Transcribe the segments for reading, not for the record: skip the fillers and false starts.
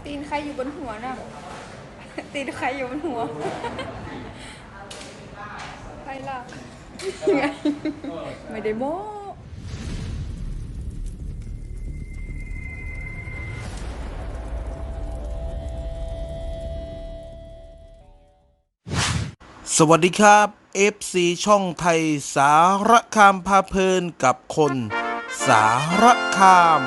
ตีนใครอยู่บนหัวน่ะตีนใครอยู่บนหัวใครล่ะยังไงไม่ได้โม้สวัสดีครับ FC ช่องไทยสารคามพาเพลินกับคนสารคาม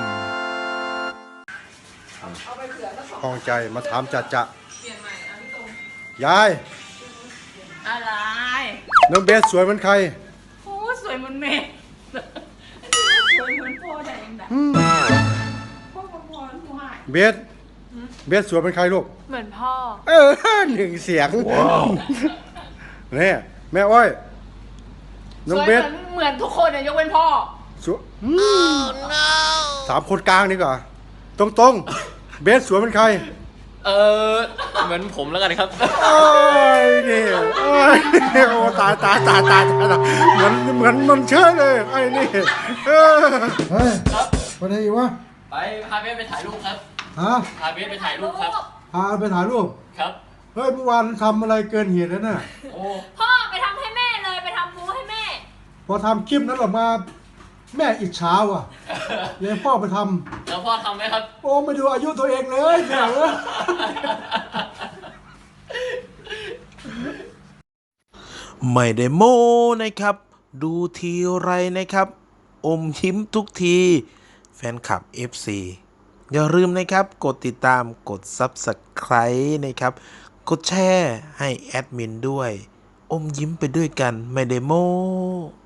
คลองใจมาถามจัดจะยายอะไรน้องเบสสวยเหมือนใครโอ้สวยเหมือนเมย์สวยเหมือนพ่อแต่ยังไงพ่อกับพ่อผู้ให้เบสสวยเหมือนใครลูกเหมือนพ่อหนึ่งเสียงเนี่ยแม่อ้อยน้สองวยเบสเหมือนทุกคนเนี่ยยกเว้นพ่อสวยสามคนกลางดีกว่าตรงๆเบสสวยเหมือนใครเหมือนผมแล้วกันครับโอ้ยนี่โอ้ยโอ้ตายเหมือนมันเชื่อเลยไอ้นี่เฮ้ยไปไหนอีกวะไปพาเบสไปถ่ายรูปครับฮะพาเบสไปถ่ายรูปครับพาไปถ่ายรูปครับเฮ้ยเมื่อวานทำอะไรเกินเหตุแล้วน่ะโอ้พ่อไปทำให้แม่เลยไปทำปูให้แม่พอทำคลิปนั้นออกมาแม่อิจฉาว่ะเลยพ่อไปทแล้วพ่อทำไหมครับำโอ้ไม่ดูอายุตัวเองเลยแม่เอ้ยไม่ได้โม้นะครับ ดูทีไรนะครับ อมยิ้มทุกที แฟนคลับ FC อย่าลืมนะครับกดติดตามกด Subscribe นะครับ กดแชร์ให้แอดมินด้วย อมยิ้มไปด้วยกันไม่ได้โม้